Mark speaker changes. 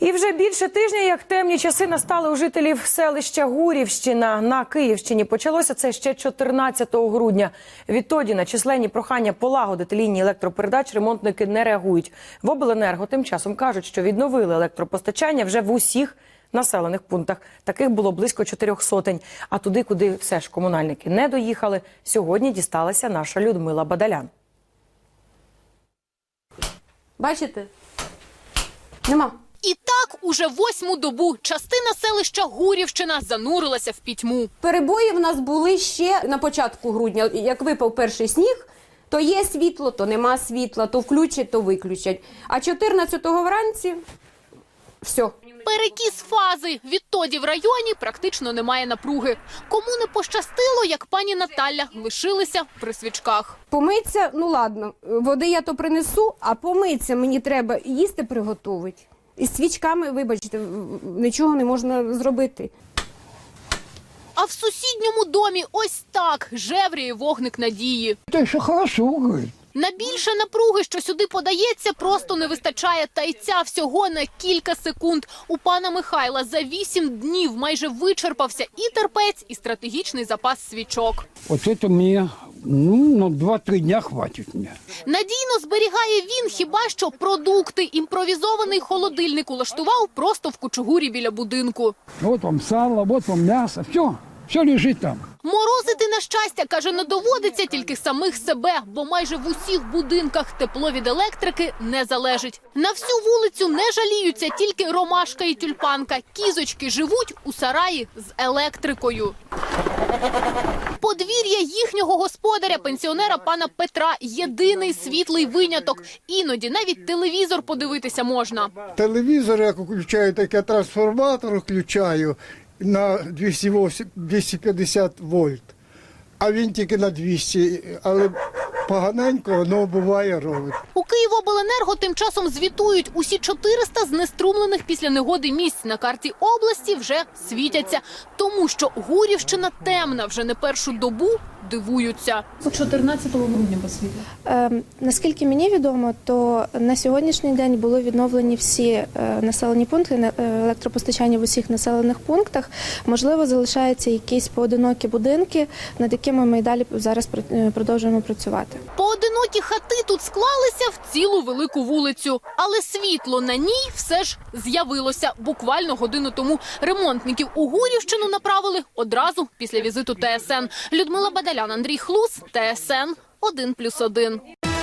Speaker 1: І вже більше тижня, як темні часи настали у жителів селища Гурівщина на Київщині. Почалося це ще 14 грудня. Відтоді на численні прохання полагодити лінії електропередач ремонтники не реагують. В обленерго тим часом кажуть, що відновили електропостачання вже в усіх населених пунктах. Таких було близько 400. А туди, куди все ж комунальники не доїхали, сьогодні дісталася наша Людмила Бадалян.
Speaker 2: Бачите? Нема.
Speaker 3: І так уже 8-му добу частина селища Гурівщина занурилася в пітьму.
Speaker 2: Перебої в нас були ще на початку грудня. Як випав перший сніг, то є світло, то нема світла, то включать, то виключать. А 14-го вранці – все.
Speaker 3: Перекіс фази. Відтоді в районі практично немає напруги. Кому не пощастило, як пані Наталя, лишилися при свічках.
Speaker 2: Помиться, ну ладно, води я то принесу, а помиться мені треба їсти приготувати. І з свічками, вибачте, нічого не можна зробити.
Speaker 3: А в сусідньому домі ось так жевріє вогник надії.
Speaker 4: Та що хорошо, говорить.
Speaker 3: На більше напруги, що сюди подається, просто не вистачає. Та й ця всього на кілька секунд. У пана Михайла за 8 днів майже вичерпався і терпець, і стратегічний запас свічок.
Speaker 4: От це мені, на 2-3 дня хватить мені.
Speaker 3: Надійно зберігає він хіба що продукти. Імпровізований холодильник улаштував просто в кучугурі біля будинку.
Speaker 4: От вам сало, от вам м'ясо, все лежить там.
Speaker 3: Морозити, на щастя, каже, не доводиться тільки самих себе, бо майже в усіх будинках тепло від електрики не залежить. На всю вулицю не жаліються тільки ромашка і тюльпанка. Кізочки живуть у сараї з електрикою. Подвір'я їхнього господаря, пенсіонера пана Петра, єдиний світлий виняток. Іноді навіть телевізор подивитися можна.
Speaker 5: Телевізор, як включаю, так я трансформатор включаю на 250 вольт, а він тільки на 200, але поганенько воно буває робить.
Speaker 3: У Київобленерго тим часом звітують, усі 400 знеструмлених після негоди місць на карті області вже світяться. Тому що Гурівщина темна вже не першу добу, дивуються.
Speaker 6: 14 грудня посвітили.
Speaker 7: Наскільки мені відомо, то на сьогоднішній день були відновлені всі населені пункти, електропостачання в усіх населених пунктах. Можливо, залишаються якісь поодинокі будинки, над якими ми й далі зараз продовжуємо працювати.
Speaker 3: Поодинокі хати тут склалися в цілу велику вулицю. Але світло на ній все ж з'явилося. Буквально годину тому ремонтників у Гурівщину направили одразу після візиту ТСН. Людмила Бадалян, Андрій Хлус, ТСН 1+1.